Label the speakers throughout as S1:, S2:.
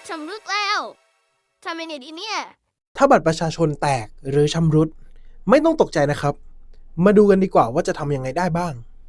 S1: ชำรุดแล้วทำยังไงดีเนี่ย
S2: ถ้าบัตรประชาชนแตกหรือชำรุดไม่ต้องตกใจนะครับ มาดูกันดีกว่าว่าจะทำยังไงได้บ้าง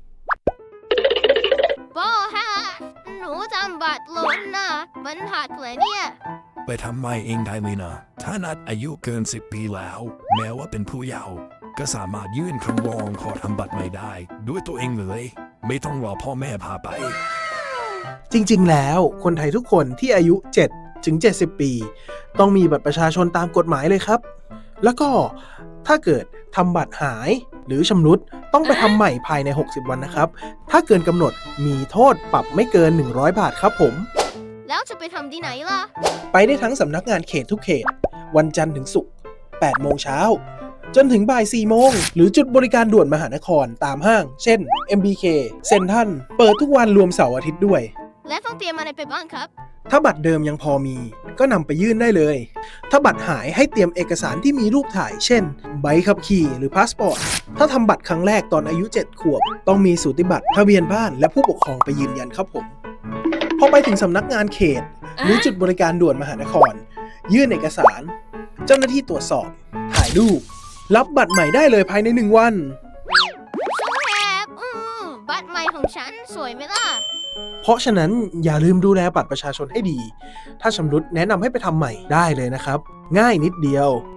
S1: โบฮะหนูทำบัตรหล่นนะมันหักเลยเนี่ย
S3: ไปทำไมเองได้เลยนะ ถ้านัดอายุเกิน10 ปีแล้ว แม้ว่าเป็นผู้เยาว์ก็สามารถยื่นคำร้องขอทำบัตรใหม่ได้ ด้วยตัวเองเลย ไม่ต้องรอพ่อแม่พาไป
S2: จริงๆ แล้วคนไทยทุกคนที่อายุ 7 ถึง 70 ปี ต้องมีบัตรประชาชนตามกฎหมายเลยครับ แล้วก็ถ้าเกิดทำบัตรหายหรือชำรุดต้องไปทำใหม่ภายใน 60 วันนะครับ ถ้าเกินกำหนดมีโทษปรับไม่เกิน 100 บาทครับผม
S1: แล้วจะไปทำที่ไหนล่ะ
S2: ไปได้ทั้งสำนักงานเขตทุกเขต วันจันทร์ถึงศุกร์ 8 โมงเช้า จนถึงบ่าย 4 โมง หรือจุดบริการด่วนมหานครตามห้าง เช่น MBK เซ็นทรัลเปิดทุกวันรวมเสาร์อาทิตย์ด้วย
S1: และต้องเตรียมอะไรไปบ้างครับ
S2: ถ้าบัตรเดิมยังพอมีก็นำไปยื่นได้เลย ถ้าบัตรหายให้เตรียมเอกสารที่มีรูปถ่าย เช่น ใบขับขี่หรือพาสปอร์ต ถ้าทำบัตรครั้งแรกตอนอายุ 7 ขวบ ต้องมีสูติบัตรทะเบียนบ้านและผู้ปกครองไปยืนยันครับผม พอไปถึงสำนักงานเขต หรือจุดบริการด่วนมหานคร ยื่นเอกสาร เจ้าหน้าที่ตรวจสอบ ถ่ายรูป รับบัตรใหม่ได้เลยภายใน 1 วัน
S1: ช่วยแอบบัตรใหม่ของฉันสวยไหมล่ะ
S2: เพราะฉะนั้นอย่าลืมดูแลบัตรประชาชนให้ดี ถ้าชำรุดแนะนำให้ไปทำใหม่ได้เลยนะครับ ง่ายนิดเดียว